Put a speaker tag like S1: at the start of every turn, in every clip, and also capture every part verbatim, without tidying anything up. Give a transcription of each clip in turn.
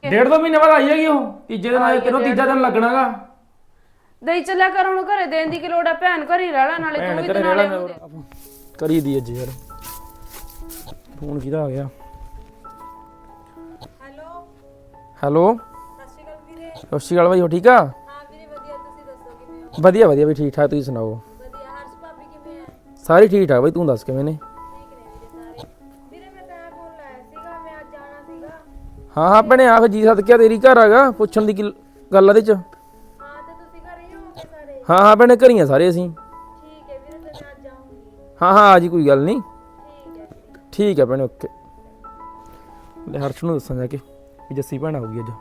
S1: डेढ़ दो महीने बाद आई हैगी ਉਹ ਤੀਜੇ ਦਿਨ ਆਏ ਤੈਨੂੰ ਤੀਜਾ ਦਿਨ ਲੱਗਣਾਗਾ
S2: ਦਈ ਚੱਲਿਆ ਕਰ ਹੁਣ ਘਰੇ ਦੇਣ ਦੀ ਕਿ ਲੋੜ ਆ ਭੈਣ ਘਰ ਹੀ ਰਹਿ ਲੈ ਨਾਲੇ ਤੂੰ ਵੀ ਤੇ ਨਾਲੇ
S1: ਕਰੀ ਦੀ ਅੱਜ ਯਾਰ ਫੋਨ ਕਿਹਦਾ ਆ ਗਿਆ
S3: ਹੈਲੋ
S1: ਹੈਲੋ
S3: ਸਤਿ ਸ਼੍ਰੀ ਅਕਾਲ ਵੀਰੇ।
S1: ਸਤਿ ਸ਼੍ਰੀ ਅਕਾਲ ਭਾਈ ਹੋ ਠੀਕ ਆ
S3: ਹਾਂ ਵੀਰੇ ਵਧੀਆ, ਤੁਸੀਂ ਦੱਸੋ ਕਿਵੇਂ ਹੋ?
S1: ਵਧੀਆ ਵਧੀਆ ਵੀ ਠੀਕ ਠਾਕ ਤੁਸੀਂ ਸੁਣਾਓ
S3: ਵਧੀਆ। ਹਰਸ਼ ਭਾਬੀ ਕਿਵੇਂ ਹੈ?
S1: ਸਾਰੇ ਠੀਕ ਠਾਕ ਬਾਈ ਤੂੰ ਦੱਸ ਕਿਵੇਂ ਨੇ
S3: ਠੀਕ ਨੇ ਵੀਰੇ ਸਾਰੇ। ਵੀਰੇ ਮੈਂ ਤਾਂ ਫੋਨ ਲਾਇਆ ਸੀਗਾ, ਮੈਂ ਅੱਜ ਆਣਾ ਸੀਗਾ।
S1: ਹਾਂ ਹਾਂ ਭੈਣੇ ਆ ਫਿਰ ਜੀ ਸਦਕਿਆ ਤੇਰੀ ਘਰ ਹੈਗਾ ਪੁੱਛਣ ਦੀ ਕੀ ਗੱਲ ਆ ਇਹਦੇ ਚ
S3: ਹਾਂ ਤੇ ਤੁਸੀਂ ਘਰੇ ਹੀ ਹੋਗੇ ਸਾਰੇ?
S1: ਹਾਂ ਹਾਂ ਭੈਣੇ ਘਰੀਆਂ ਸਾਰੇ ਅਸੀਂ
S3: ਠੀਕ ਹੈ ਵੀਰੇ, ਤੇ ਮੈਂ ਅੱਜ ਆਉਂਗੀ।
S1: ਹਾਂ ਹਾਂ ਆ ਜੀ ਕੋਈ ਗੱਲ ਨਹੀਂ
S3: ਠੀਕ ਹੈ ਵੀਰੇ।
S1: ਠੀਕ ਹੈ ਭੈਣੇ ਓਕੇ ਲੈ ਹਰਸ਼ ਨੂੰ ਦੱਸਾਂ ਜਾ ਕੇ ਵੀ ਜੱਸੀ ਭੈਣ ਆਊਗੀ ਅੱਜ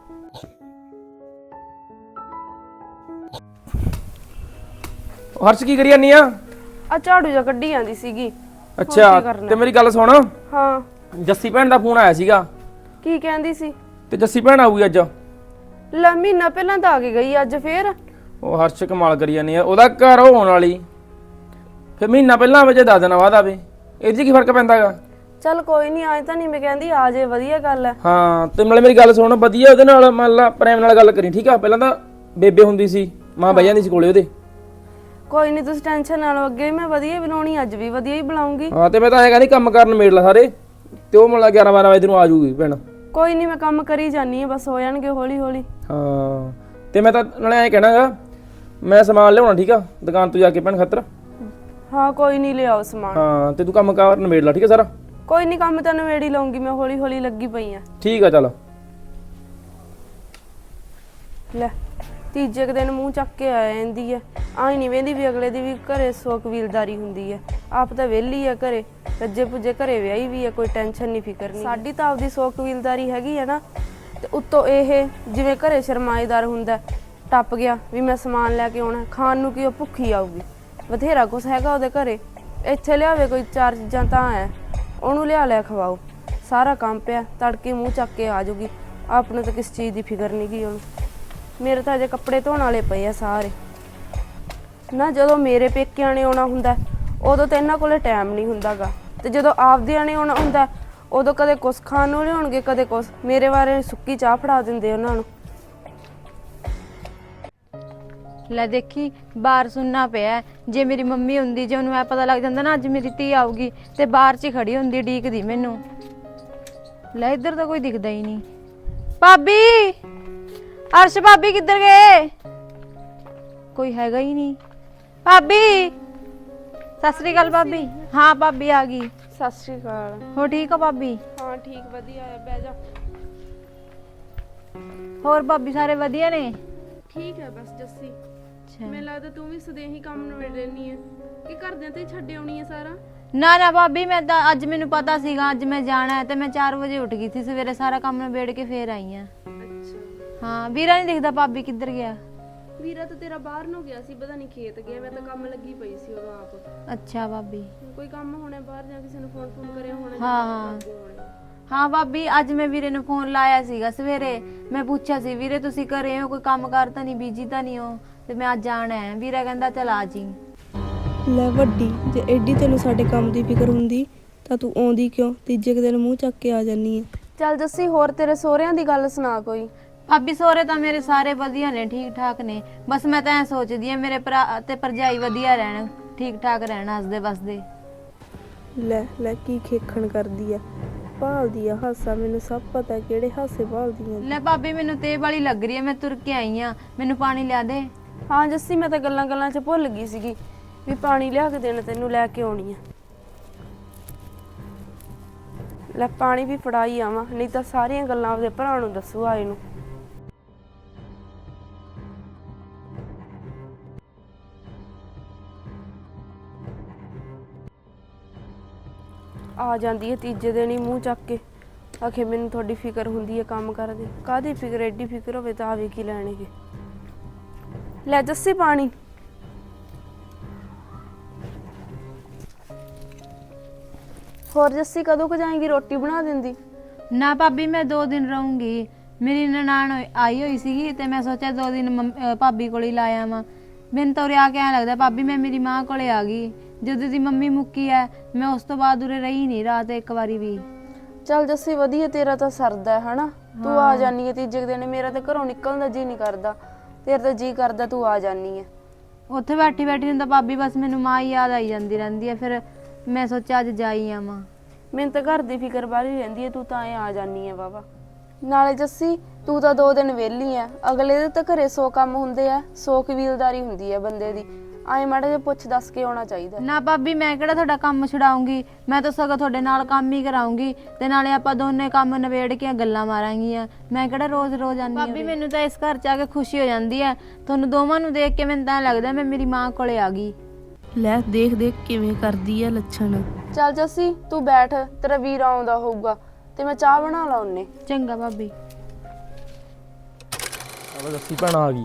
S1: ਹਰਸ਼ ਕੀ ਕਰੀ ਜਾਨੀ ਆ
S2: ਆ ਝਾੜੂ ਜਾਂ ਕੱਢੀ ਜਾਂਦੀ ਸੀਗੀ।
S1: ਅੱਛਾ ਤੇ ਮੇਰੀ ਗੱਲ ਸੁਣ
S2: ਹਾਂ
S1: ਜੱਸੀ ਭੈਣ ਦਾ ਫੋਨ ਆਇਆ ਸੀਗਾ
S2: ਕੀ ਕਹਿੰਦੀ ਸੀ?
S1: ਤੇ ਜੱਸੀ ਭੈਣ ਆਊਗੀ ਅੱਜ
S2: ਲੈ ਮਹੀਨਾ ਪਹਿਲਾਂ ਤਾਂ ਆ ਕੇ ਗਈ ਅੱਜ ਫੇਰ
S1: ਉਹ ਹਰਸ਼ ਕਮਾਲ ਕਰੀ ਜਾਨੀ ਆ ਉਹਦਾ ਘਰ ਹੋਣ ਵਾਲੀ ਫਿਰ ਮਹੀਨਾ ਪਹਿਲਾਂ ਆਵੇ ਜੇ ਦਸ ਦਿਨਾਂ ਬਾਅਦ ਆਵੇ ਇਹ 'ਚ ਕੀ ਫਰਕ ਪੈਂਦਾਗਾ
S2: ਚੱਲ ਕੋਈ ਨਹੀਂ ਆਏ ਤਾਂ ਨਹੀਂ ਮੈਂ ਕਹਿੰਦੀ ਆ ਜੇ ਵਧੀਆ ਗੱਲ ਹੈ।
S1: ਹਾਂ ਤੇ ਨਾਲੇ ਮੇਰੀ ਗੱਲ ਸੁਣ ਵਧੀਆ ਉਹਦੇ ਨਾਲ ਮੰਨ ਲਾ ਪ੍ਰੇਮ ਨਾਲ ਗੱਲ ਕਰੀ ਠੀਕ ਆ ਪਹਿਲਾਂ ਤਾਂ ਬੇਬੇ ਹੁੰਦੀ ਸੀ ਮਾਂ ਬਹਿ ਜਾਂਦੀ ਸੀ ਕੋਲੇ ਉਹਦੇ
S2: ਕੋਈ ਨਹੀਂ ਤੁਸੀਂ ਟੈਨਸ਼ਨ ਨਾ ਲਓ ਅੱਗੇ ਮੈਂ ਵਧੀਆ ਬੁਲਾਉਣੀ ਅੱਜ ਵੀ ਵਧੀਆ ਹੀ ਬੁਲਾਉਂਗੀ।
S1: ਹਾਂ ਤੇ ਮੈਂ ਤਾਂ ਐ ਕਹਿੰਦੀ ਕੰਮ ਕਰਨ ਮੇੜ ਲਾ ਸਾਰੇ ਤੇ ਉਹ ਮੰਨ ਲਾ ਗਿਆਰਾਂ ਬਾਰਾਂ ਵਜੇ ਤੈਨੂੰ ਆ ਜਾਊਗੀ ਭੈਣ
S2: ਕੋਈ ਨਹੀਂ ਮੈਂ ਕੰਮ ਕਰੀ ਜਾਨੀ ਆ ਬਸ ਹੋ ਜਾਣਗੇ ਹੌਲੀ ਹੌਲੀ।
S1: ਹਾਂ ਤੇ ਮੈਂ ਤਾਂ ਨਾਲੇ ਐਂ ਕਹਿਣਾਗਾ ਮੈਂ ਸਮਾਨ ਲਿਆਉਣਾ ਠੀਕ ਆ ਦੁਕਾਨ ਤੋਂ ਜਾ ਕੇ ਭੈਣ ਖਾਤਰ
S2: ਹਾਂ ਕੋਈ ਨਹੀਂ ਲਿਆਓ ਸਮਾਨ।
S1: ਹਾਂ ਤੇ ਤੂੰ ਕੰਮ ਕਰਨ ਮੇੜ ਲਾ ਠੀਕ ਆ ਸਾਰਾ
S2: ਕੋਈ ਨਹੀਂ ਕੰਮ ਤਾਂ ਨਵੇੜੀ ਲਾਉਂਗੀ ਮੈਂ ਹੌਲੀ ਹੌਲੀ ਲੱਗੀ ਪਈ ਆ।
S1: ਠੀਕ ਆ ਚੱਲ
S2: ਲੈ ਤੀਜੇ ਕੁ ਦਿਨ ਮੂੰਹ ਚੱਕ ਕੇ ਆ ਜਾਂਦੀ ਐ ਆਈ ਨਹੀਂ ਵੇਂਦੀ ਵੀ ਅਗਲੇ ਦੀ ਵੀ ਘਰੇ ਸੋ ਕਬੀਲਦਾਰੀ ਹੁੰਦੀ ਐ ਆਪ ਤਾਂ ਵਿਹਲੀ ਆ ਘਰੇ ਰੱਜੇ ਪੁੱਜੇ ਘਰੇ ਵਿਆਹੀ ਵੀ ਐ ਕੋਈ ਟੈਨਸ਼ਨ ਨਹੀਂ ਫਿਕਰ ਨਹੀਂ ਸਾਡੀ ਤਾਂ ਆਪਦੀ ਸੋ ਕਬੀਲਦਾਰੀ ਹੈਗੀ ਐ ਨਾ ਤੇ ਉੱਤੋਂ ਇਹ ਜਿਵੇਂ ਘਰੇ ਸ਼ਰਮਾਏਦਾਰ ਹੁੰਦਾ ਟੱਪ ਗਿਆ ਵੀ ਮੈਂ ਸਮਾਨ ਲੈ ਕੇ ਆਉਣਾ ਖਾਣ ਨੂੰ ਕੀ ਉਹ ਭੁੱਖੀ ਆਊਗੀ ਬਥੇਰਾ ਕੁਛ ਹੈਗਾ ਉਹਦੇ ਘਰੇ ਇੱਥੇ ਲਿਆਵੇ ਕੋਈ ਚਾਰ ਚੀਜ਼ਾਂ ਤਾਂ ਐ ਉਹਨੂੰ ਲਿਆ ਲਿਆ ਖਵਾਓ ਸਾਰਾ ਕੰਮ ਪਿਆ ਤੜਕੇ ਮੂੰਹ ਚੱਕ ਕੇ ਆ ਜਾਊਗੀ ਆਪ ਨੂੰ ਤਾਂ ਕਿਸ ਚੀਜ਼ ਦੀ ਫਿਕਰ ਨਹੀਂ ਗੀ ਉਹਨੂੰ ਮੇਰੇ ਤਾਂ ਅਜੇ ਕੱਪੜੇ ਧੋਣ ਵਾਲੇ ਪਏ ਆ ਸਾਰੇ ਨਾ ਜਦੋਂ ਮੇਰੇ ਪੇਕਿਆਂ ਨੇ ਆਉਣਾ ਹੁੰਦਾ ਉਦੋਂ ਤਾਂ ਇਹਨਾਂ ਕੋਲੇ ਟਾਈਮ ਨਹੀਂ ਹੁੰਦਾਗਾ ਤੇ ਜਦੋਂ ਆਪਦਿਆਂ ਨੇ ਆਉਣਾ ਹੁੰਦਾ ਉਦੋਂ ਕਦੇ ਕੁਛ ਖਾਣ ਨੂੰ ਲਿਆਉਣਗੇ ਕਦੇ ਕੁਛ ਮੇਰੇ ਬਾਰੇ ਸੁੱਕੀ ਚਾਹ ਫੜਾ ਦਿੰਦੇ ਉਹਨਾਂ ਨੂੰ।
S4: ਲੈ ਦੇਖੀ ਬਾਹਰ ਸੁਣਨਾ ਪਿਆ ਜੇ ਮੇਰੀ ਮੰਮੀ ਹੁੰਦੀ ਜੇ ਉਹਨੂੰ ਐ ਪਤਾ ਲੱਗ ਜਾਂਦਾ ਨਾ ਅੱਜ ਮੇਰੀ ਧੀ ਆਊਗੀ ਤੇ ਬਾਹਰ 'ਚ ਖੜੀ ਹੁੰਦੀ ਡੀਕਦੀ ਮੈਨੂੰ। ਲੈ ਇੱਧਰ ਤਾਂ ਕੋਈ ਦਿਖਦਾ ਹੀ ਨਹੀਂ। ਭਾਬੀ ਅਰਸ਼ ਭਾਬੀ ਕਿੱਧਰ ਗਏ? ਕੋਈ ਹੈਗਾ ਹੀ ਨਹੀਂ। ਭਾਬੀ ਸਤਿ ਸ੍ਰੀ ਅਕਾਲ ਭਾਬੀ। ਹਾਂ ਭਾਬੀ ਆ ਗਈ।
S2: ਸਤਿ ਸ਼੍ਰੀ ਅਕਾਲ।
S4: ਹੋ ਠੀਕ ਹੋ ਭਾਬੀ?
S2: ਹਾਂ ਠੀਕ ਵਧੀਆ ਹੈ ਬਹਿ ਜਾ।
S4: ਹੋਰ ਭਾਬੀ ਸਾਰੇ ਵਧੀਆ ਨੇ?
S2: ਠੀਕ ਹੈ ਬਸ ਜੱਸੀ ਮੈਨੂੰ ਲੱਗਦਾ ਤੂੰ ਵੀ ਸਦੇਹੀ ਕੰਮ ਨਿਬੇੜ ਲੈਣੀ ਹੈ ਕਿ ਘਰਦਿਆਂ ਤੇ ਛੱਡ ਆਉਣੀ ਹੈ ਸਾਰਾ।
S4: ਨਾ ਨਾ ਭਾਬੀ ਮੈਂ ਤਾਂ ਅੱਜ ਮੈਨੂੰ ਪਤਾ ਸੀਗਾ ਅੱਜ ਮੈਂ ਜਾਣਾ ਹੈ ਤੇ ਮੈਂ ਚਾਰ ਵਜੇ ਉੱਠ ਗਈ ਸੀ ਸਵੇਰੇ ਸਾਰਾ ਕੰਮ ਨਿਬੇੜ ਕੇ ਫੇਰ ਆਈ ਆ।
S2: ਅੱਛਾ
S4: ਹਾਂ ਵੀਰਾ ਨਹੀਂ ਦਿਖਦਾ ਭਾਬੀ ਕਿੱਧਰ ਗਿਆ?
S2: ਵੀਰਾ ਤਾਂ ਤੇਰਾ ਬਾਹਰ ਨੂੰ ਗਿਆ ਸੀ ਪਤਾ ਨਹੀਂ ਖੇਤ ਗਿਆ ਮੈਂ ਤਾਂ ਕੰਮ ਲੱਗੀ ਪਈ ਸੀ ਉਦੋਂ ਆਪ।
S4: ਅੱਛਾ ਭਾਬੀ
S2: ਕੋਈ ਕੰਮ ਹੋਣਾ ਬਾਹਰ ਜਾਂ ਕਿਸੇ ਨੂੰ ਫੋਨ ਫੋਨ ਕਰਿਆ ਹੋਣਾ।
S4: ਹਾਂ ਹਾਂ ਹਾਂ ਭਾਬੀ ਅੱਜ ਮੈਂ ਵੀਰੇ ਨੂੰ ਫੋਨ ਲਾਇਆ ਸੀਗਾ ਸਵੇਰੇ ਮੈਂ ਪੁੱਛਿਆ ਸੀ ਵੀਰੇ ਤੁਸੀਂ ਘਰੇ ਹੋ ਕੋਈ ਕੰਮ ਕਾਰ ਤਾਂ ਨਹੀਂ ਬੀਜੀ ਤਾਂ ਨਹੀਂ ਹੋ ਤੇ ਮੈਂ ਅੱਜ ਆਣਾ ਹੈ ਵੀਰਾ ਕਹਿੰਦਾ ਚਲ ਆ ਜੀ।
S5: ਲੈ ਵੱਡੀ ਜੇ ਐਡੀ ਤੈਨੂੰ ਸਾਡੇ ਕੰਮ ਦੀ ਫਿਕਰ ਹੁੰਦੀ ਤਾਂ ਤੂੰ ਆਉਂਦੀ ਕਿਉਂ ਤੀਜੇ ਕੁ ਦਿਨ ਮੂੰਹ ਚੱਕ ਕੇ ਆ ਜਾਨੀ ਹੈ।
S2: ਚੱਲ ਜੱਸੀ ਹੋਰ ਤੇਰੇ ਸਹੁਰਿਆਂ ਦੀ ਗੱਲ ਸੁਣਾ ਕੋਈ।
S4: ਭਾਬੀ ਸਹੁਰੇ ਤਾਂ ਮੇਰੇ ਸਾਰੇ ਵਧੀਆ ਨੇ ਠੀਕ ਠਾਕ ਨੇ ਬਸ ਮੈਂ ਤਾਂ ਐ ਸੋਚਦੀ ਆ ਮੇਰੇ ਭਰਾ ਤੇ ਭਰਜਾਈ ਵਧੀਆ ਰਹਿਣ ਠੀਕ ਠਾਕ ਰਹਿਣ ਹੱਸਦੇ ਵਸਦੇ।
S5: ਲੈ ਲੈ ਕੀ ਖੇਖਣ ਕਰਦੀ ਆ ਭਾਲਦੀ ਆ ਹਾਸਾ ਮੈਨੂੰ ਸਭ ਪਤਾ ਕਿਹੜੇ ਹਾਸੇ ਭਾਲਦੀ ਆ।
S4: ਲੈ ਭਾਬੀ ਮੈਨੂੰ ਤੇ ਵਾਲੀ ਲੱਗ ਰਹੀ ਹੈ ਮੈਂ ਤੁਰ ਕੇ ਆਈ ਆ ਮੈਨੂੰ ਪਾਣੀ ਲਿਆ ਦੇ।
S2: ਹਾਂ ਜੱਸੀ ਮੈਂ ਤਾਂ ਗੱਲਾਂ ਗੱਲਾਂ 'ਚ ਭੁੱਲ ਗਈ ਸੀਗੀ ਵੀ ਪਾਣੀ ਲਿਆ ਕੇ ਦੇਣਾ ਤੈਨੂੰ ਲੈ ਕੇ ਆਉਣੀ ਆ। ਲੈ ਪਾਣੀ ਵੀ ਫੜਾਈ ਆਵਾਂ ਨਹੀਂ ਤਾਂ ਸਾਰੀਆਂ ਗੱਲਾਂ ਆਪਦੇ ਭਰਾ ਨੂੰ ਦੱਸੂ ਆਏ ਨੂੰ। ਆ ਜਾਂਦੀ ਹੈ ਤੀਜੇ ਦਿਨ ਹੀ ਮੂੰਹ ਚੱਕ ਕੇ ਆਖੇ ਮੈਨੂੰ ਤੁਹਾਡੀ ਫਿਕਰ ਹੁੰਦੀ ਹੈ ਕੰਮ ਕਰਦੇ ਕਾਹਦੀ ਫਿਕਰ ਐਡੀ ਫਿਕਰ ਹੋਵੇ ਤਾਂ ਆਵੇ ਕੀ ਲੈਣਗੇ। ਲੈ ਜੱਸੀ ਪਾਣੀ। ਹੋਰ ਜੱਸੀ ਕਦੋਂ ਕੁ ਜਾਏਗੀ ਰੋਟੀ ਬਣਾ ਦਿੰਦੀ?
S4: ਨਾ ਭਾਬੀ ਮੈਂ ਦੋ ਦਿਨ ਰਹੂੰਗੀ ਮੇਰੀ ਨਨਾਣ ਆਈ ਹੋਈ ਸੀਗੀ ਤੇ ਮੈਂ ਸੋਚਿਆ ਦੋ ਦਿਨ ਭਾਬੀ ਕੋਲ ਹੀ ਲਾ ਆਵਾਂ। ਮੈਨੂੰ ਤਾਂ ਉਰੇ ਆ ਕੇ ਐਂ ਲੱਗਦਾ ਭਾਬੀ ਮੈਂ ਮੇਰੀ ਮਾਂ ਕੋਲੇ ਆ ਗਈ ਜਦੋਂ ਦੀ ਮੰਮੀ ਮੁੱਕੀ ਐ ਮੈਂ ਉਸ ਤੋਂ ਬਾਅਦ ਉਰੇ ਰਹੀ ਨਹੀਂ ਰਾਤ ਇੱਕ ਵਾਰੀ ਵੀ।
S2: ਚੱਲ ਜੱਸੀ ਵਧੀਆ, ਤੇਰਾ ਤਾਂ ਸਰਦਾ ਹੈ ਹਨਾ। ਤੂੰ ਆ ਜਾਨੀ ਹੈ ਤੀਜੇ ਕੁ ਦਿਨ, ਮੇਰਾ ਤਾਂ ਘਰੋਂ ਨਿਕਲਣ ਦਾ ਜੀ ਨਹੀਂ ਕਰਦਾ, ਤੇਰਾ ਤਾਂ ਜੀ ਕਰਦਾ ਤੂੰ ਆ ਜਾਨੀ ਹੈ।
S4: ਉੱਥੇ ਬੈਠੀ ਬੈਠੀ ਨੂੰ ਤਾਂ ਭਾਬੀ ਬਸ ਮੈਨੂੰ ਮਾਂ ਹੀ ਯਾਦ ਆਈ ਜਾਂਦੀ ਰਹਿੰਦੀ ਹੈ, ਫਿਰ ਮੈਂ ਸੋਚਿਆ ਅੱਜ ਜਾਈ ਆਵਾਂ।
S2: ਮੈਨੂੰ ਤਾਂ ਘਰ ਦੀ ਫਿਕਰ ਬਾਹਲੀ ਰਹਿੰਦੀ ਹੈ, ਤੂੰ ਤਾਂ ਐ ਆ ਜਾਨੀ ਹੈ ਬਾਬਾ। ਨਾਲੇ ਜੱਸੀ ਤੂੰ ਤਾਂ ਦੋ ਦਿਨ ਵਿਹਲੀ ਆ, ਅਗਲੇ ਦੇ ਤਾਂ ਘਰੇ ਸੌ ਕੰਮ ਹੁੰਦੇ ਆ, ਸੌ ਕਬੀਲਦਾਰੀ ਹੁੰਦੀ ਹੈ ਬੰਦੇ ਦੀ। ਆਏ ਮਾੜਾ ਜਿਹਾ ਪੁੱਛ ਦੱਸ ਕੇ ਆਉਣਾ ਚਾਹੀਦਾ।
S4: ਨਾ ਭਾਬੀ ਮੈਂ ਕਿਹੜਾ ਤੁਹਾਡਾ ਕੰਮ ਛਡਾਉਂਗੀ, ਮੈਂ ਤਾਂ ਸਗੋਂ ਤੁਹਾਡੇ ਨਾਲ ਕੰਮ ਹੀ ਕਰਾਉਂਗੀ ਤੇ ਨਾਲੇ ਆਪਾਂ ਦੋਨੇ ਕੰਮ ਨਿਬੇੜ ਕੇ ਗੱਲਾਂ ਮਾਰਾਂਗੀਆਂ। ਮੈਂ ਕਿਹੜਾ ਰੋਜ਼ ਰੋਜ਼ ਆਨੀ ਭਾਬੀ, ਮੈਨੂੰ ਤਾਂ ਇਸ ਘਰ ਚ ਆ ਕੇ ਖੁਸ਼ੀ ਹੋ ਜਾਂਦੀ ਹੈ। ਤੁਹਾਨੂੰ ਦੋਵਾਂ ਨੂੰ ਦੇਖ ਕੇ ਮੈਨੂੰ ਤਾਂ ਲੱਗਦਾ ਮੈਂ ਮੇਰੀ ਮਾਂ ਕੋਲੇ ਆ ਗਈ।
S5: ਲੈ ਦੇਖ ਦੇਖ ਕਿਵੇਂ ਕਰਦੀ ਆ ਲੱਛਣ।
S2: ਚੱਲ ਜੱਸੀ ਤੂੰ ਬੈਠ, ਤੇਰਾ ਵੀਰ ਆਉਂਦਾ ਹੋਊਗਾ ਤੇ ਮੈਂ ਚਾਹ ਬਣਾ ਲਾ ਉਹਨੇ।
S4: ਚੰਗਾ ਭਾਬੀ।
S1: ਆਹ ਦੱਸੀ ਭੈਣਾ ਆ ਗਈ।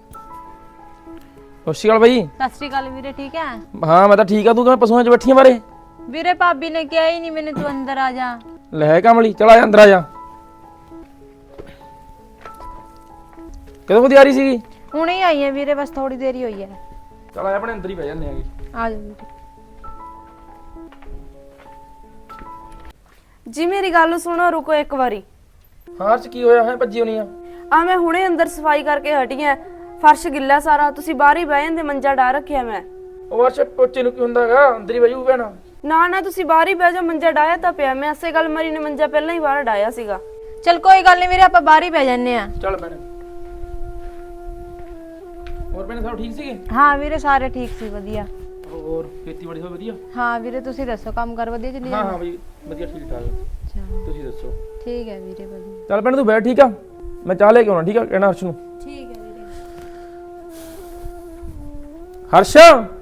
S1: ਸਤਿ ਸ਼੍ਰੀ ਅਕਾਲ ਬਾਈ।
S4: ਸਤਿ ਸ਼੍ਰੀ ਅਕਾਲ ਵੀਰੇ, ਠੀਕ ਹੈ?
S1: ਹਾਂ ਮੈਂ ਤਾਂ ਠੀਕ ਆ, ਤੂੰ ਕਿਵੇਂ ਪਸ਼ੂਆਂ 'ਚ ਬੈਠੀਆਂ ਬਾਰੇ?
S4: ਵੀਰੇ ਭਾਬੀ ਨੇ ਕਿਹਾ ਹੀ ਨਹੀਂ ਮੈਨੂੰ ਤੂੰ ਅੰਦਰ ਆ ਜਾ।
S1: ਲੈ ਕਮਲੀ ਚਲ ਆ ਜਾ ਅੰਦਰ ਆ ਜਾ। ਕਦੋਂ ਕਦੀ ਆ ਰਹੀ ਸੀਗੀ?
S4: ਹੁਣੇ ਹੀ ਆਈ ਹੈ ਵੀਰੇ, ਬਸ ਥੋੜੀ ਦੇਰ ਹੀ ਹੋਈ ਹੈ।
S1: ਚਲ ਆ ਆਪਣੇ ਅੰਦਰ ਹੀ ਬਹਿ ਜਾਂਦੇ ਆਗੇ।
S4: ਆ ਜਾ ਵੀਰੇ।
S2: ਜੀ ਮੇਰੀ ਗੱਲ ਸੁਣੋ, ਰੁਕੋ ਇੱਕ ਵਾਰੀ।
S1: ਹਾਂ ਚ ਕੀ ਹੋਇਆ ਹੈ? ਭੱਜੀ ਹੋਣੀ ਆ।
S2: ਆ ਮੈਂ ਹੁਣੇ ਅੰਦਰ ਸਫਾਈ ਕਰਕੇ ਹਟੀ ਆ, ਫਰਸ਼ ਗਿੱਲਾ ਸਾਰਾ, ਤੁਸੀਂ ਬਾਹਰ ਹੀ ਬਹਿ ਜਾਂਦੇ, ਮੰਜਾ ਡਾ ਰੱਖਿਆ ਮੈਂ।
S1: ਉਹ ਵਰਸ਼ ਪੋਚੇ ਨੂੰ ਕੀ ਹੁੰਦਾਗਾ, ਅੰਦਰ ਹੀ ਬੈਜੂ ਭੈਣਾ।
S2: ਨਾ ਨਾ ਤੁਸੀਂ ਬਾਹਰ ਹੀ ਬਹਿ ਜਾਓ, ਮੰਜਾ ਡਾਇਆ ਤਾਂ ਪਿਆ, ਮੈਂ ਐਸੇ ਗੱਲ ਮਰੀ ਨੇ ਮੰਜਾ ਪਹਿਲਾਂ ਹੀ ਬਾਹਰ ਡਾਇਆ ਸੀਗਾ।
S4: ਚਲ ਕੋਈ ਗੱਲ ਨਹੀਂ ਵੀਰੇ, ਆਪਾਂ ਬਾਹਰ ਹੀ ਬਹਿ ਜੰਨੇ ਆ।
S1: ਚੱਲ ਭੈਣੇ। ਹੋਰ ਭੈਣੇ ਸਭ ਠੀਕ ਸੀਗੇ?
S4: ਹਾਂ ਵੀਰੇ ਸਾਰੇ ਠੀਕ ਸੀ, ਵਧੀਆ।
S1: ਹੋਰ ਖੇਤੀਬਾੜੀ ਸਭ ਵਧੀਆ?
S4: ਹਾਂ ਵੀਰੇ ਤੁਸੀਂ ਦੱਸੋ, ਕੰਮ ਕਰ ਵਧੀਆ ਚੱਲੀ
S1: ਹਾਂ
S4: ਜਾਂਦਾ?
S1: ਹਾਂ ਬਈ ਵਧੀਆ ਠੀਕ ਠਾਕ।
S4: ਅੱਛਾ
S1: ਤੁਸੀਂ ਦੱਸੋ?
S4: ਠੀਕ ਹੈ ਵੀਰੇ, ਵਧੀਆ।
S1: ਚੱਲ ਭੈਣੇ ਤੂੰ ਬੈਠ, ਠੀਕ ਆ? ਮੈਂ ਚਾਹ ਲੈ ਕੇ ਆਉਣਾ, ਠੀਕ ਆ? ਕਹਿਣਾ ਹਰਸ਼ ਨੂੰ।
S4: ਠੀਕ ਹੈ ਵੀਰੇ।
S1: ਹਰਸ਼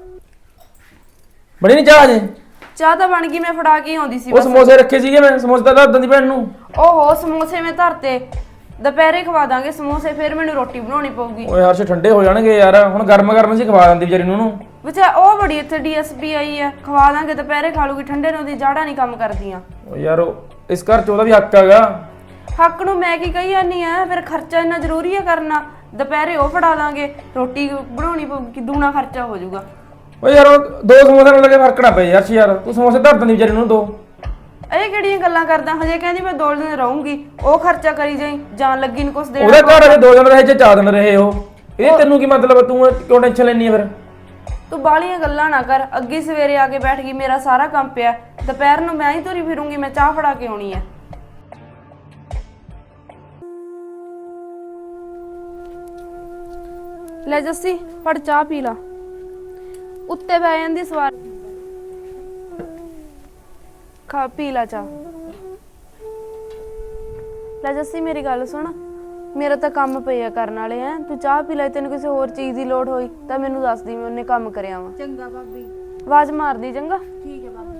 S1: ਬਣੀ ਨਹੀਂ ਚਾਹ ਅਜੇ?
S2: ਚਾਹ ਤਾਂ ਬਣ ਗਈ, ਮੈਂ ਫੜਾ ਕੇ ਆਉਂਦੀ ਸੀ
S1: ਉਹ
S2: ਬਸ।
S1: ਸਮੋਸੇ ਰੱਖੇ ਸੀਗੇ, ਮੈਂ ਸਮੋਸੇ ਤਾਂ ਦੱਸ ਦਿੰਦੀ ਭੈਣ ਨੂੰ।
S2: ਓਹੋ ਸਮੋਸੇ ਮੈਂ ਧਰਤੇ, ਦੁਪਹਿਰੇ ਖਵਾ ਦਾਂਗੇ ਸਮੋਸੇ, ਫਿਰ ਮੈਨੂੰ ਰੋਟੀ ਬਣਾਉਣੀ ਪਊਗੀ।
S1: ਓਏ ਹਰਸ਼ ਠੰਡੇ ਹੋ ਜਾਣਗੇ ਯਾਰ, ਹੁਣ ਗਰਮ ਗਰਮ ਸੀ ਖਵਾ ਦਿੰਦੀ ਵਿਚਾਰੀ ਨੂੰ ਉਹਨੂੰ।
S2: ਵਿਚਾ ਉਹ ਬੜੀ ਇੱਥੇ ਡੀਐਸਪੀ ਆਈ ਆ, ਖਵਾ ਦਾਂਗੇ, ਦੁਪਹਿਰੇ ਖਾ ਲੂਗੀ, ਠੰਡੇ ਨੂੰ ਦੀ ਜਾੜਾ ਨਹੀਂ ਕੰਮ ਕਰਦੀਆਂ।
S1: ਓ ਯਾਰ ਉਹ- ਇਸ ਘਰ ਚ ਉਹਦਾ ਵੀ ਹੱਕ ਹੈਗਾ।
S2: ਹੱਕ ਨੂੰ ਮੈਂ ਕੀ ਕਹੀ ਜਾਂਦੀ ਆ, ਫਿਰ ਖਰਚਾ ਇੰਨਾ ਜ਼ਰੂਰੀ ਆ ਕਰਨਾ। ਦੁਪਹਿਰੇ ਉਹ ਫੜਾ ਦਾਂਗੇ, ਰੋਟੀ ਬਣਾਉਣੀ ਪਊਗੀ, ਦੂਣਾ ਖਰਚਾ ਹੋ ਜਾਊਗਾ।
S1: ਓ ਯਾਰ ਉਹ ਦੋ ਸਮੋਸੇ ਨਾਲ ਲੱਗੇ ਫਰਕ ਨਾ ਪਏ ਯਾਰ। ਯਾਰ ਤੂੰ ਸਮੋਸੇ ਧਰ ਦਿੰਦੀ ਵਿਚਾਰੀ ਨੂੰ ਦੋ।
S2: ਇਹ ਕਿਹੜੀਆਂ ਗੱਲਾਂ ਕਰਦਾ, ਹਜੇ ਕਹਿੰਦੀ ਮੈਂ ਦੋ ਦਿਨ ਰਹੂੰਗੀ, ਉਹ ਖਰਚਾ ਕਰੀ ਜਾਈ, ਜਾਣ ਲੱਗੀ ਨੂੰ ਕੁਛ ਦੇਣਾ।
S1: ਉਹਦੇ ਘਰ ਅਜੇ ਦੋ ਦਿਨ ਰਹੇ, ਜੇ ਚਾਰ ਦਿਨ ਰਹੇ ਉਹ। ਇਹ ਤੈਨੂੰ ਕੀ ਮਤਲਬ, ਤੂੰ ਕਿਉਂ ਟੈਨਸ਼ਨ ਲੈਣੀ ਆ ਫਿਰ?
S2: ਤੂੰ ਬਾਲੀਆਂ ਗੱਲਾਂ ਨਾ ਕਰ, ਅੱਗੇ ਸਵੇਰੇ ਆ ਕੇ ਬੈਠ ਗਈ, ਮੇਰਾ ਸਾਰਾ ਕੰਮ ਪਿਆ, ਦੁਪਹਿਰ ਨੂੰ ਮੈਂ ਹੀ ਤੁਰੀ ਫਿਰੂੰਗੀ, ਮੈਂ ਚਾਹ ਫੜਾ ਕੇ ਆਉਣੀ ਆ। ਲੈ ਜੱਸੀ ਫੜ ਚਾਹ ਪੀ ਲਾ, ਉੱਤੇ ਬਹਿ ਜਾਂਦੀ ਸਵਾਰ, ਖਾ ਪੀ ਲਾ ਚਾਹ। ਲੈ ਜੱਸੀ ਮੇਰੀ ਗੱਲ ਸੁਣ, ਮੇਰਾ ਤਾਂ ਕੰਮ ਪਿਆ ਕਰਨ ਵਾਲੇ ਆ, ਤੂੰ ਚਾਹ ਪੀ ਲੈ, ਤੈਨੂੰ ਕਿਸੇ ਹੋਰ ਚੀਜ਼ ਦੀ ਲੋੜ ਹੋਈ ਤਾਂ ਮੈਨੂੰ ਦੱਸ ਦੀ, ਮੈਂ ਉਹਨੇ ਕੰਮ ਕਰਿਆ ਵਾ।
S4: ਚੰਗਾ ਭਾਬੀ।
S2: ਆਵਾਜ਼ ਮਾਰਦੀ ਚੰਗਾ।
S4: ਠੀਕ ਹੈ ਭਾਬੀ।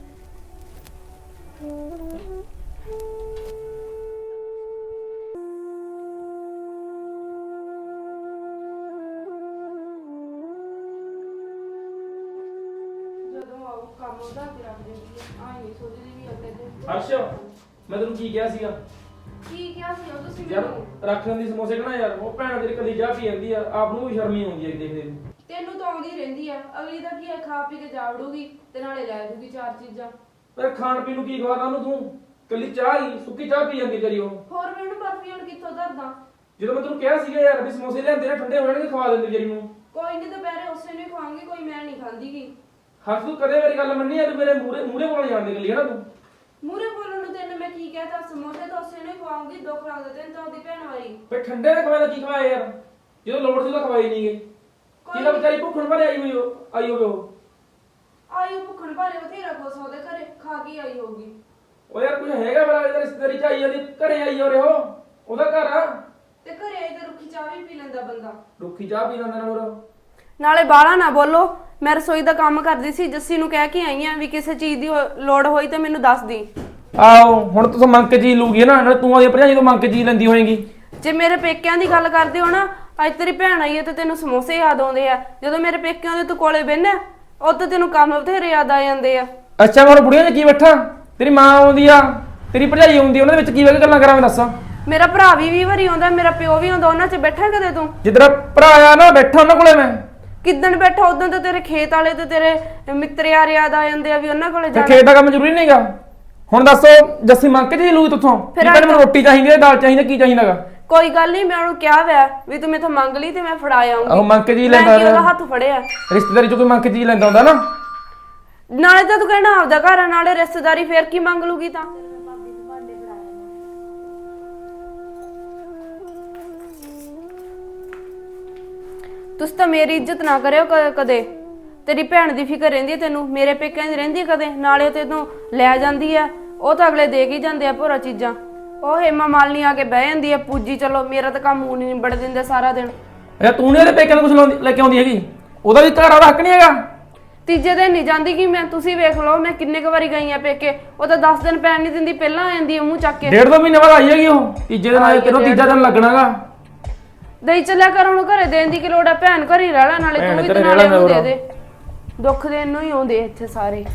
S2: ਜਦੋਂ ਆਉ ਕੰਮ ਉਹਦਾ ਤੇ ਰੱਖ ਦਿੰਦੀ ਆ, ਆਈ ਨਹੀਂ ਸੋਚਦੀ ਵੀ ਅੱਗੇ ਤੇ
S1: ਹਰਸ਼ ਮੈਂ ਤੈਨੂੰ ਕੀ ਕਿਹਾ ਸੀਗਾ
S2: ਕੀ ਕਿਹਾ ਸੀ ਉਹ ਤੁਸੀਂ
S1: ਯਾਰ?
S2: ਮੈਨੂੰ?
S1: ਰੱਖ ਲੈਂਦੀ ਸਮੋਸੇ ਕਹਣਾ ਯਾਰ, ਉਹ ਭੈਣ ਤੇਰੀ ਕਦੀ ਚਾਹ ਪੀ ਜਾਂਦੀ ਆ, ਆਪ ਨੂੰ ਵੀ ਸ਼ਰਮੀ ਆਉਂਦੀ ਹੈ ਦੇਖਦੇ ਨੂੰ।
S2: ਤੈਨੂੰ ਤਾਂ ਆਉਂਦੀ ਰਹਿੰਦੀ ਆ, ਅਗਲੀ ਦਾ ਕੀ ਆ, ਖਾ ਪੀ ਕੇ ਜਾਵੜੂਗੀ ਤੇ ਨਾਲੇ ਲੈ ਜੂਗੀ ਚਾਰ ਚੀਜ਼ਾਂ।
S1: ਪਰ ਖਾਣ ਪੀਣ ਨੂੰ ਕੀ ਖਵਾਦਾ ਉਹਨੂੰ ਤੂੰ? ਕੱਲੀ ਚਾਹ ਹੀ ਸੁੱਕੀ ਚਾਹ ਪੀ ਜਾਂਦੀ ਕਰੀ ਉਹ।
S2: ਹੋਰ ਮੈਨੂੰ ਬਰਫੀ ਹੁਣ ਕਿੱਥੋਂ ਧਰਦਾ?
S1: ਜਦੋਂ ਮੈਂ ਤੈਨੂੰ ਕਿਹਾ ਸੀਗਾ ਯਾਰ ਵੀ ਸਮੋਸੇ ਲਿਆਂਦੇ ਨੇ, ਠੰਡੇ ਹੋ ਜਾਣਗੇ, ਖਵਾ ਦਿੰਦੀ ਵਿਚਾਰੀ ਨੂੰ।
S2: ਕੋਈ ਨਹੀਂ ਦੁਪਹਿਰੇ ਉਸੇ ਨੂੰ ਹੀ ਖਵਾਉਂਗੀ, ਕੋਈ ਮੈਂ ਨਹੀਂ ਖਾਂਦੀਗੀ।
S1: ਹਰਸ਼ ਤੂੰ ਕਦੇ ਮੇਰੀ ਗੱਲ ਮੰਨੀ ਆ? ਤੂੰ ਮੇਰੇ ਮੂਰੇ ਮੂਰੇ ਬੋਲਣ ਜਾਂਦੀ ਕੱਲੀ ਹੈ ਨਾ ਤੂੰ।
S2: ਮੂਰੇ ਬੋਲਣ ਨੂੰ ਤੈਨੂੰ ਮੈਂ ਕੀ ਕਹਿਤਾ? ਸਮੋਸੇ ਤਾਂ ਉਸੇ ਨੂੰ ਹੀ ਖਵਾਉਂਗੀ, ਦੁੱਖ ਲੱਗਦਾ ਤੈਨੂੰ ਤਾਂ ਉਹਦੀ ਭੈਣ ਵਾਰੀ।
S1: ਫਿਰ ਠੰਡੇ ਦੇ ਖਵਾਇਆ ਕੀ ਖਵਾਇਆ ਯਾਰ? ਜਦੋਂ ਲੋੜ ਸੀ ਤਾਂ ਖਵਾਈ ਨਹੀਂਗੇ। ਕਿਹਦਾ ਵਿਚਾਰੀ ਭੁੱਖਣ ਭਰੇ ਆਈ ਹੋਈ ਉਹ ਆਈ ਹੋਵੇ ਉਹ।
S2: ਆਈ ਉਹ ਭੁੱਖਣ ਭਾਰੇ ਬਥੇਰਾ ਕੁਛ ਉਹਦੇ ਘਰੇ ਖਾ ਕੇ ਆਈ ਹੋਊਗੀ।
S1: ਉਹ ਯਾਰ ਕੁਝ ਹੈਗਾ ਬੜਾ ਇਹਦਾ ਰਿਸ਼ਤੇਦਾਰੀ ਚ ਆਈ ਜਾਂਦੀ, ਘਰੇ ਆਈ ਹੋ ਰਿਹਾ ਉਹ, ਉਹਦਾ ਘਰ ਆ।
S2: ਤੇ ਘਰੇ ਆਈ ਤਾਂ ਰੁੱਖੀ ਚਾਹ ਵੀ ਪੀ ਲੈਂਦਾ ਬੰਦਾ।
S1: ਰੁੱਖੀ ਚਾਹ ਪੀ ਲੈਂਦਾ ਨਾਲ ਹੋਰ।
S2: ਨਾਲੇ ਬਾਹਲਾ ਨਾ ਬੋਲੋ, ਮੈਂ ਰਸੋਈ ਦਾ ਕੰਮ ਕਰਦੀ ਸੀ, ਜੱਸੀ ਨੂੰ ਕਹਿ ਕੇ ਆਈ ਆ ਵੀ ਕਿਸੇ ਚੀਜ਼ ਦੀ ਹੋ- ਲੋੜ ਹੋਈ ਤਾਂ ਮੈਨੂੰ ਦੱਸ ਦੀ।
S1: ਆਓ ਹੁਣ ਤੂੰ ਮੰਗ ਕੇ ਚੀਜ਼ ਲੂਗੀ ਨਾ, ਨਾਲ ਤੂੰ ਆਦੀ ਭਰਜਾਈ ਤੋਂ ਮੰਗ ਕੇ ਚੀਜ਼ ਲੈਂਦੀ ਹੋਏਗੀ।
S2: ਜੇ ਮੇਰੇ ਪੇਕਿਆਂ ਦੀ ਗੱਲ ਕਰਦੇ ਹੋ ਨਾ, ਅੱਜ ਤੇਰੀ ਭੈਣ ਆਈ ਹੈ ਤੇ ਤੈਨੂੰ ਸਮੋਸੇ ਯਾਦ ਆਉਂਦੇ ਆ, ਜਦੋਂ ਮੇਰੇ ਪੇਕਿਆਂ ਦੇ ਤੂੰ ਕੋਲੇ ਬਹਿਨਾ ਉਹ ਤਾਂ ਤੈਨੂੰ ਕੰਮ ਬਥੇਰੇ ਯਾਦ ਆ ਜਾਂਦੇ ਆ।
S1: ਅੱਛਾ ਮੈਂ ਹੁਣ ਬੁੜੀਆਂ 'ਚ ਕੀ ਬੈਠਾ? ਤੇਰੀ ਮਾਂ ਆਉਂਦੀ ਆ, ਤੇਰੀ ਭਰਜਾਈ ਆਉਂਦੀ, ਉਹਨਾਂ ਦੇ ਵਿੱਚ ਕੀ ਵੇ ਗੱਲਾਂ ਕਰਾਂ ਮੈਂ ਦੱਸ?
S2: ਮੇਰਾ ਭਰਾ ਵੀ ਵੀਹ ਵਾਰੀ ਆਉਂਦਾ, ਮੇਰਾ ਪਿਓ ਵੀ ਆਉਂਦਾ, ਉਹਨਾਂ 'ਚ ਬੈਠਾ ਕਦੇ ਤੂੰ?
S1: ਜਿੱਦਾਂ ਭਰਾ ਆ ਨਾ ਬੈਠਾ ਉਹਨਾਂ ਕੋਲੇ ਮੈਂ।
S2: ਕਿੱਦਣ ਬੈਠਾ ਉਦੋਂ ਤਾਂ ਤੇਰੇ ਖੇਤ ਵਾਲੇ ਤੇ ਤੇਰੇ ਮਿੱਤਰ ਯਾਰ ਯਾਦ ਆ ਜਾਂਦੇ ਆ ਵੀ ਉਹਨਾਂ ਕੋਲੇ
S1: ਤੇ
S2: ਜਾਣਾ।
S1: ਖੇਤ ਦਾ ਕੰਮ ਜ਼ਰੂਰੀ ਨਹੀਂਗਾ? ਹੁਣ ਦੱਸੋ ਜੱਸੀ ਮੰਗ ਕੇ ਜੀ ਲੂ ਤੁਥੋਂ
S2: ਫਿਰ
S1: ਫਿਰ ਮੈਨੂੰ ਰੋਟੀ ਚਾਹੀਦੀ ਹੈ, ਦਾਲ ਚਾਹੀਦੀ, ਕੀ ਚਾਹੀਦਾਗਾ?
S2: ਕੋਈ ਗੱਲ ਨਹੀਂ, ਮੈਂ ਉਹਨੂੰ ਕਿਹਾ ਵੈ ਵੀ ਤੂੰ ਮੇਥੋਂ ਮੰਗ ਲਈ ਤੇ ਮੈਂ ਫੜਾ ਆਉਂਗੀ।
S1: ਆਹੋ ਮੰਗ ਕੇ ਜੀ
S2: ਮੈਂ
S1: ਲੈਂਦਾ
S2: ਕੀ ਉਹਦਾ ਹੱਥ ਫੜਿਆ?
S1: ਰਿਸ਼ਤੇਦਾਰੀ ਚ ਕੋਈ ਮੰਗ ਕੇ ਜੀ ਲੈਂਦਾ ਹੁੰਦਾ ਨਾ।
S2: ਨਾਲੇ ਤਾਂ ਤੂੰ ਕਹਿਣਾ ਆਪਦਾ ਘਰ ਆ, ਨਾਲੇ ਰਿਸ਼ਤੇਦਾਰੀ, ਫੇਰ ਕੀ ਮੰਗ ਲੂਗੀ ਤਾਂ? ਤੁਸੀਂ ਤਾਂ ਮੇਰੀ ਇੱਜ਼ਤ ਨਾ ਕਰਿਓ ਕ- ਕਦੇ। ਤੇਰੀ ਭੈਣ ਦੀ ਫਿਕਰ ਰਹਿੰਦੀ ਹੈ ਤੈਨੂੰ, ਮੇਰੇ ਪੇਕਿਆਂ ਦੀ ਰਹਿੰਦੀ ਹੈ ਕਦੇ? ਨਾਲੇ ਤੈਨੂੰ ਲੈ ਜਾਂਦੀ ਆ, ਉਹ ਤਾਂ ਅਗਲੇ ਦੇ ਕੇ ਹੀ ਜਾਂਦੇ ਆ ਭੋਰਾ ਚੀਜ਼ਾਂ। ਉਹ ਹੇਮਾ ਮਾਲਨੀ ਆ ਕੇ ਬਹਿ ਜਾਂਦੀ ਆ ਪੂਜੀ, ਚਲੋ ਮੇਰਾ ਤਾਂ ਕੰਮ ਹੁਣ ਨਹੀਂ ਨਿਬੜ ਦਿੰਦੇ ਸਾਰਾ ਦਿਨ।
S1: ਅੱਛਾ ਤੂੰ ਨਹੀਂ ਉਹਦੇ ਪੇਕਿਆਂ ਨੂੰ ਕੁਝ ਲੈ ਕੇ ਆਉਂਦੀ ਹੈਗੀ? ਉਹਦਾ ਵੀ ਘਰ ਵਾਲਾ ਹੱਕ ਨਹੀਂ ਹੈਗਾ?
S2: ਤੀਜੇ ਦਿਨ ਨਹੀਂ ਜਾਂਦੀ ਕਿ ਮੈਂ, ਤੁਸੀਂ ਵੇਖ ਲਓ ਮੈਂ ਕਿੰਨੇ ਕੁ ਵਾਰੀ ਗਈ ਆ ਪੇਕੇ, ਉਹ ਤਾਂ ਦਸ ਦਿਨ ਪੈਣ ਨਹੀਂ ਦਿੰਦੀ, ਪਹਿਲਾਂ ਆ ਜਾਂਦੀ ਆ ਮੂੰਹ ਚੱਕ ਕੇ।
S1: ਡੇਢ ਦੋ ਮਹੀਨੇ ਬਾਅਦ ਆਈ ਹੈਗੀ ਉਹ, ਤੀਜੇ ਦਿਨ ਆਈ, ਕਿਹਨੂੰ ਤੀਜਾ ਦਿਨ ਲੱਗਣਾਗਾ।
S2: ਦਈ ਚੱਲਿਆ ਕਰ, ਉਹਨੂੰ ਘਰੇ ਦੇਣ ਦੀ ਕੀ ਲੋੜ ਆ? ਭੈਣ ਘਰ ਹੀ ਰਹਿ ਲੈ, ਨਾਲੇ ਤੂੰ ਵੀ ਤੇ ਨਾਲੇ ਉਹਨੂੰ ਦੇ ਦੇ। ਦੁੱਖ ਦੇਣ ਨੂੰ ਹੀ ਆਉਂਦੇ ਇੱਥੇ ਸਾਰੇ।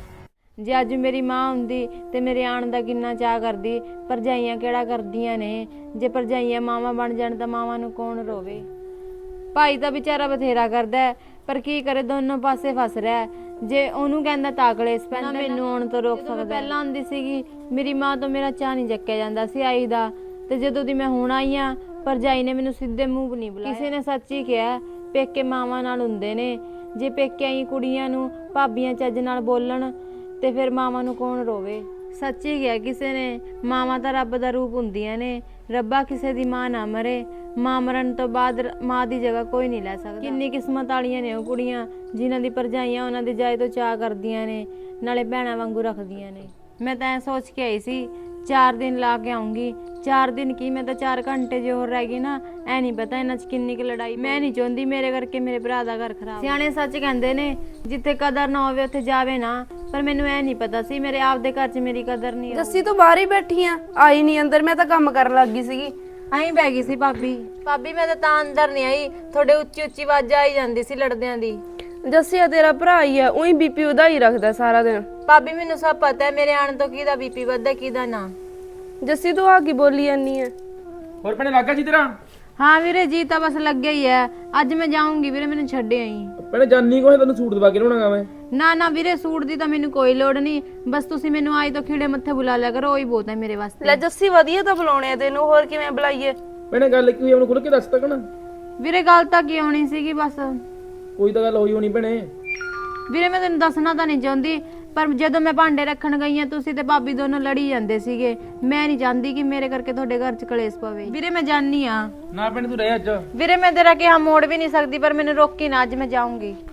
S4: ਜੇ ਅੱਜ ਮੇਰੀ ਮਾਂ ਹੁੰਦੀ ਤੇ ਮੇਰੇ ਆਣ ਦਾ ਕਿੰਨਾ ਚਾਹ ਕਰਦੀ। ਭਰਜਾਈਆਂ ਕਿਹੜਾ ਕਰਦੀਆਂ ਨੇ? ਜੇ ਭਰਜਾਈਆਂ ਮਾਵਾਂ ਬਣ ਜਾਣ ਤਾਂ ਮਾਵਾਂ ਨੂੰ ਕੌਣ ਰੋਵੇ? ਭਾਈ ਤਾਂ ਵਿਚਾਰਾ ਬਥੇਰਾ ਕਰਦਾ ਹੈ, ਪਰ ਕੀ ਕਰੇ, ਦੋਨੋਂ ਪਾਸੇ ਫਸ ਰਿਹਾ ਹੈ। ਜੇ ਉਹਨੂੰ ਕਹਿੰਦਾ ਤਾਂ ਕਲੇਸ਼ ਪੈਂਦਾ, ਮੈਨੂੰ ਆਉਣ ਤੋਂ ਰੋਕ ਸਕਦਾ। ਪਹਿਲਾਂ ਆਉਂਦੀ ਸੀਗੀ ਮੇਰੀ ਮਾਂ ਤੋਂ ਮੇਰਾ ਚਾਹ ਨਹੀਂ ਚੱਕਿਆ ਜਾਂਦਾ ਸੀ ਆਈ ਦਾ, ਤੇ ਜਦੋਂ ਦੀ ਮੈਂ ਹੁਣ ਆਈ ਆ ਭਰਜਾਈ ਨੇ ਮੈਨੂੰ ਸਿੱਧੇ ਮੂੰਹ ਨਹੀਂ ਬੁਲਾਇਆ। ਕਿਸੇ ਨੇ ਸੱਚ ਹੀ ਕਿਹਾ, ਪੇਕੇ ਮਾਵਾਂ ਨਾਲ ਹੁੰਦੇ ਨੇ। ਜੇ ਪੇਕੇ ਆਈ ਕੁੜੀਆਂ ਨੂੰ ਭਾਬੀਆਂ ਚੱਜ ਨਾਲ ਬੋਲਣ ਤੇ ਫਿਰ ਮਾਵਾਂ ਨੂੰ ਕੌਣ ਰੋਵੇ? ਸੱਚ ਹੀ ਗਿਆ ਕਿਸੇ ਨੇ, ਮਾਵਾਂ ਤਾਂ ਰੱਬ ਦਾ ਰੂਪ ਹੁੰਦੀਆਂ ਨੇ। ਰੱਬਾ ਕਿਸੇ ਦੀ ਮਾਂ ਨਾ ਮਰੇ, ਮਾਂ ਮਰਨ ਤੋਂ ਬਾਅਦ ਮਾਂ ਦੀ ਜਗ੍ਹਾ ਕੋਈ ਨਹੀਂ ਲੈ ਸਕਦਾ। ਕਿੰਨੀ ਕਿਸਮਤ ਵਾਲੀਆਂ ਨੇ ਉਹ ਕੁੜੀਆਂ ਜਿਨ੍ਹਾਂ ਦੀ ਭਰਜਾਈਆਂ ਉਹਨਾਂ ਦੀ ਜਾਏ ਤੋਂ ਚਾਹ ਕਰਦੀਆਂ ਨੇ, ਨਾਲੇ ਭੈਣਾਂ ਵਾਂਗੂ ਰੱਖਦੀਆਂ ਨੇ। ਮੈਂ ਤਾਂ ਐ ਸੋਚ ਕੇ ਆਈ ਸੀ ਚਾਰ ਦਿਨ ਲਾ ਕੇ ਆਉਂਗੀ। ਚਾਰ ਦਿਨ ਕੀ, ਮੈਂ ਤਾਂ ਚਾਰ ਘੰਟੇ ਜੇ ਹੋਰ ਰਹਿ ਗਈ ਨਾ, ਐ ਨਹੀਂ ਪਤਾ ਇਹਨਾਂ 'ਚ ਕਿੰਨੀ ਕੁ ਲੜਾਈ। ਮੈਂ ਨਹੀਂ ਚਾਹੁੰਦੀ ਮੇਰੇ ਕਰਕੇ ਮੇਰੇ ਭਰਾ ਦਾ ਘਰ ਖਰਾਬ। ਸਿਆਣੇ ਸੱਚ ਕਹਿੰਦੇ ਨੇ, ਜਿੱਥੇ ਕਦਰ ਨਾ ਹੋਵੇ ਉੱਥੇ ਜਾਵੇ ਨਾ। ਪਰ ਮੈਨੂੰ ਐ ਨਹੀਂ ਪਤਾ ਸੀ ਮੇਰੇ ਆਪਦੇ ਘਰ 'ਚ ਮੇਰੀ ਕਦਰ ਨਹੀਂ।
S2: ਜੱਸੀ ਤੂੰ ਬਾਹਰ ਹੀ ਬੈਠੀ ਆ, ਆਈ ਨਹੀਂ ਅੰਦਰ? ਮੈਂ ਤਾਂ ਕੰਮ ਕਰਨ ਲੱਗ ਗਈ ਸੀਗੀ।
S4: ਆਹੀਂ ਬਹਿ ਗਈ ਸੀ ਭਾਬੀ। ਭਾਬੀ ਮੈਂ ਤਾਂ ਤਾਂ ਅੰਦਰ ਨਹੀਂ ਆਈ, ਤੁਹਾਡੇ ਉੱਚੀ ਉੱਚੀ ਆਵਾਜ਼ਾਂ ਆਈ ਜਾਂਦੀ ਸੀ ਲੜਦਿਆਂ ਦੀ।
S2: ਜੱਸੀ ਆ ਤੇਰਾ ਭਰਾ ਹੀ ਆ, ਉਹੀ ਬੀਪੀ ਵਧਾਈ ਰੱਖਦਾ ਸਾਰਾ ਦਿਨ।
S4: ਭਾਬੀ ਮੈਨੂੰ ਸਭ ਪਤਾ ਹੈ, ਮੇਰੇ ਆਣ ਤੋਂ ਕਿਹਦਾ ਬੀਪੀ ਵੱਧਦਾ ਕਿਹਦਾ ਨਾ।
S2: ਜੱਸੀ ਤੂੰ ਆ ਕੀ ਬੋਲੀ ਜਾਂਦੀ ਆ?
S1: ਹੋਰ ਭੈਣੇ ਲੱਗਾ ਜੀ ਤੇਰਾ?
S4: ਹਾਂ ਵੀਰੇ ਜੀ ਤਾਂ ਬਸ ਲੱਗਿਆ ਹੀ ਹੈ। ਅੱਜ ਮੈਂ ਜਾਊਂਗੀ ਵੀਰੇ, ਮੈਨੂੰ ਛੱਡ ਆਈ।
S1: ਭੈਣੇ ਜਾਨੀ ਕੋਈ ਤੈਨੂੰ ਸੂਟ ਦਵਾ ਕੇ ਲਿਆਉਣਾਗਾ ਮੈਂ।
S4: ਨਾ ਨਾ ਵੀਰੇ, ਸੂਟ ਦੀ ਤਾਂ ਮੈਨੂੰ ਕੋਈ ਲੋੜ ਨਹੀਂ, ਬਸ ਤੁਸੀਂ ਮੈਨੂੰ ਆਈ ਤੋਂ ਖੀੜੇ ਮੱਥੇ ਬੁਲਾ ਲਿਆ ਕਰੋ, ਉਹੀ ਬਹੁਤ ਹੈ ਮੇਰੇ ਵਾਸਤੇ।
S2: ਲੈ ਜੱਸੀ ਵਧੀਆ ਤਾਂ ਬੁਲਾਉਣੇ ਆ ਤੈਨੂੰ, ਹੋਰ ਕਿਵੇਂ ਬੁਲਾਈਏ?
S1: ਭੈਣੇ ਗੱਲ ਕੀ ਹੋਈ, ਉਹਨੂੰ ਖੁੱਲ ਕੇ ਦੱਸ ਤੱਕ ਨਾ।
S4: ਵੀਰੇ ਗੱਲ ਤਾਂ ਕੀ ਹੋਣੀ ਸੀਗੀ, ਬਸ
S1: ਕੋਈ ਤਾਂ ਗੱਲ ਹੋਈ ਹੋਣੀ ਭੈਣੇ।
S4: ਵੀਰੇ ਮੈਂ ਤੈਨੂੰ ਦੱਸਣਾ ਤਾਂ ਨਹੀਂ ਚਾਹੁੰਦੀ, ਪਰ ਜਦੋਂ ਮੈਂ ਭਾਂਡੇ ਰੱਖਣ ਗਈ ਆ ਤੁਸੀਂ ਤੇ ਭਾਬੀ ਦੋਨੋਂ ਲੜੀ ਜਾਂਦੇ ਸੀਗੇ। ਮੈਂ ਨਹੀਂ ਚਾਹੁੰਦੀ ਕਿ ਮੇਰੇ ਕਰਕੇ ਤੁਹਾਡੇ ਘਰ 'ਚ ਕਲੇਸ਼ ਪਵੇ। ਵੀਰੇ ਮੈਂ ਜਾਣੀ ਆ।
S1: ਨਾ ਭੈਣੇ ਤੂੰ ਰਹਿ ਅੱਜ।
S4: ਵੀਰੇ ਮੈਂ ਤੇਰਾ ਕਿਹਾ ਮੋੜ ਵੀ ਨਹੀਂ ਸਕਦੀ, ਪਰ ਮੈਨੂੰ ਰੋਕੀ ਨਾ, ਅੱਜ ਮੈਂ ਜਾਊਂਗੀ।